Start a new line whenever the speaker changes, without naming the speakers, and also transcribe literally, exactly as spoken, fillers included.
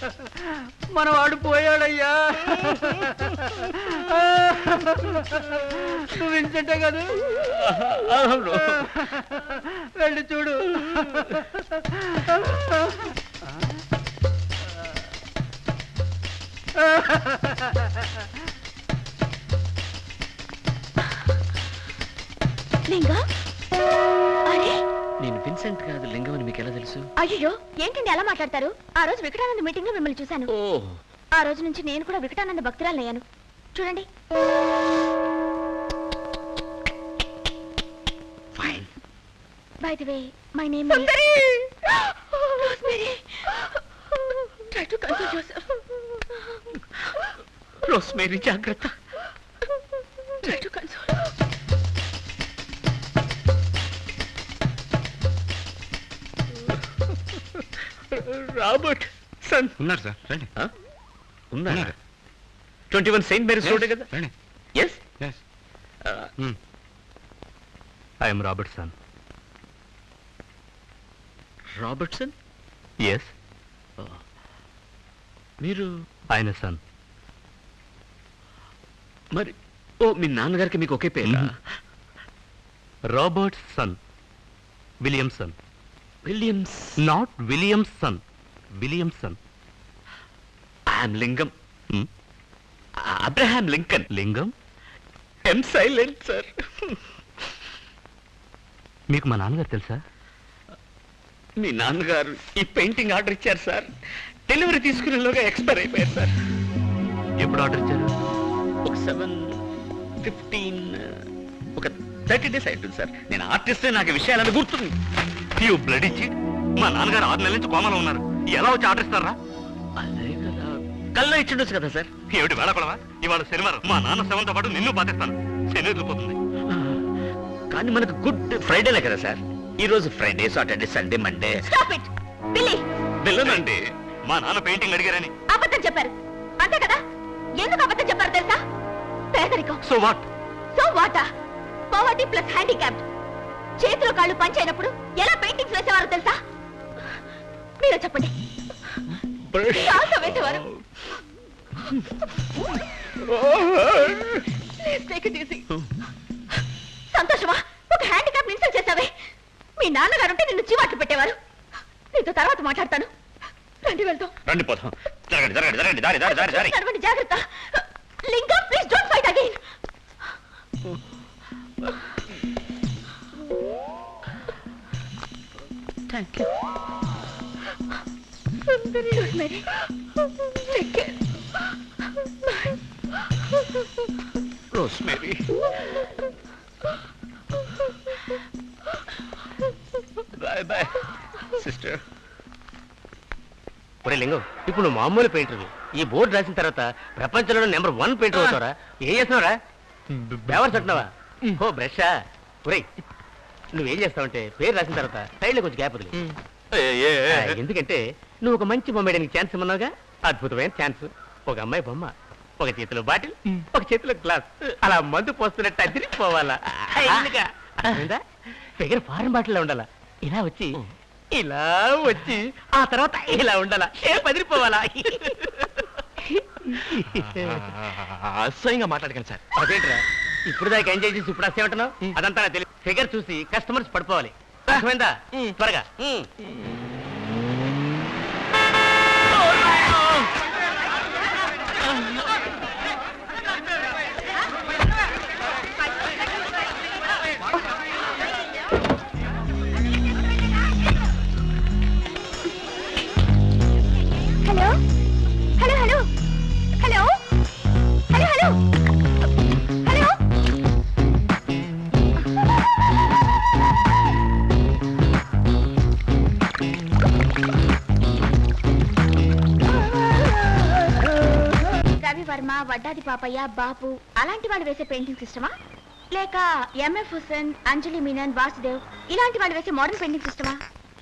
మనవాడు పోయాడయ్యా. నువ్వు విన్సెంటే కదా? వెళ్ళి చూడు.
లింగా, అరే
నేను విన్సెంట్ కాదు, లింగం అని మీకు ఎలా తెలుసు?
అయ్యో ఏంటండి ఎలా మాట్లాడతారు? ఆ రోజు వికటానంద మీటింగ్ లో మిమ్మల్ని చూశాను. ఆ రోజు నుంచి నేను కూడా వికటానంద భక్తురాలయ్యాను. చూడండి.
Fine.
By the way my name is Rosemary. Try to console yourself.
Rosemary జాగ్రత్త.
Try to console.
Robertson
ఉన్నారు సార్, రండి.
ఉన్నారు. Twenty one saint Mary's road కదా?
రండి.
Yes
yes.
I'm Robertson.
Robertson?
Yes.
మీరు
ఆయన sun.
మరి ఓ మీ నాన్నగారికి మీకు ఒకే పేరు?
Robertson, Williamson.
Williams?
Not Williamson, Williamson.
I'm Lingam. Abraham Lincoln.
Lingam?
M silent sir.
మీకు మా నాన్నగారు తెలుసా?
మీ నాన్నగారు ఈ పెయింటింగ్ ఆర్డర్ ఇచ్చారు సార్. డెలివరీ తీసుకునేలోగా ఎక్స్పైర్ అయిపోయారు సార్.
ఎప్పుడు ఆర్డర్ ఇచ్చారు?
ఒక సెవెన్ ఫిఫ్టీన్ ఒక థర్టీ డేస్ అవుతుంది సార్. నేను ఆర్టిస్ట్, నాకు విషయాలని గుర్తుంది.
యూ బ్లడ్ ఇచ్చి మా నాన్నగారు ఆరు నెలల నుంచి కోమలో ఉన్నారు. ఎలా వచ్చి ఆర్డర్ ఇస్తారా?
అదే కదా, కల్లో ఇచ్చిండొచ్చు కదా సార్.
ఏమిటి వేళపడవా? ఇవాళ శనివారం, మా నాన్న శవంతో పాటు నిన్ను పాతిస్తాను. శని వదిలిపోతుంది.
కానీ మనకు గుడ్ ఫ్రైడేలే కదా సార్. ఈ రోజు Friday, Saturday, Sunday, Monday.
Stop it Billy.
వెళ్ళనండి, మా నాన్న పెయింటింగ్ అడిగారని.
అబద్ధం చెప్పారు అంతే కదా? ఎందుకు అబద్ధం చెప్పారు తెలుసా? పేదరికం.
So what?
So what? Poverty plus handicapped. చేతులు కాళ్ళు పంచైనప్పుడు ఎలా పెయింటింగ్స్ వేసేవారు తెలుసా? మీరు చెప్పండి. కాల్తో వేసేవారు. సంతోషమా? ఒక హ్యాండిక్యాప్ ఇన్సల్ట్ చేసావే. మీ నాన్నగారుంటే నిన్ను చీవాట్లు పెట్టేవారు. నీతో తర్వాత మాట్లాడతాను. రండి వెళ్తాం.
రండి పోతాం. జరగండి జరగండి జరగండి. దారి దారి దారి దారి.
నడవండి, జాగ్రత్త. Linga, please don't fight again.
Thank you.
Rosemary, take care. Bye.
Rosemary. Bye bye sister.
ఒరే లింగం, ఇప్పుడు నువ్వు మామూలు పెయింటర్. ఈ బోర్డు రాసిన తర్వాత ప్రపంచంలో నెంబర్ వన్ పెయింటర్ అవుతావరా? ఏం చేస్తున్నావురా? బేవర్స్ అంటున్నావా? ఓ బ్రషా? ఒరే నువ్వేం చేస్తావంటే పేరు రాసిన తర్వాత సైడ్లో కొంచెం గ్యాప్ వదిలి. ఎందుకంటే నువ్వు ఒక మంచి బొమ్మ వేయడానికి ఛాన్స్ ఇమ్మన్నావుగా. అద్భుతమైన ఛాన్స్. ఒక అమ్మాయి బొమ్మ, ఒక చేతిలో బాటిల్, ఒక చేతిలో గ్లాస్, అలా మందు పోస్తున్నట్టు అదిరిపోవాలా. ఫిగర్ ఫారెన్ బాటిల్లో ఉండాలా. ఇలా వచ్చి ఇలా వచ్చి ఆ తర్వాత ఇలా ఉండాలా. ఏ పదిరిపోవాలా.
అసహ్యంగా మాట్లాడకండి సార్.
అదేంట్రా ఇప్పుడు దాకా ఎంజాయ్ చేసి ఇప్పుడు అసే ఉంటున్నావు? అదంతా నాకు తెలియదు. ఫిగర్ చూసి కస్టమర్స్ పడిపోవాలి. అర్థమైందా? త్వరగా.
Hello hello hello hello hello hello hello. Ravi Varma, Vaddadi Papayya, Bapu అలాంటి వాళ్ళు వేసే పెయింటింగ్స్ ఇష్టమా? లేక ఎంఎఫ్ హుసేన్, అంజలి మీనన్, వాసుదేవ్ ఇలాంటి వాళ్ళు వేసే మోడర్న్ పెయింటింగ్స్ ఇష్టమా?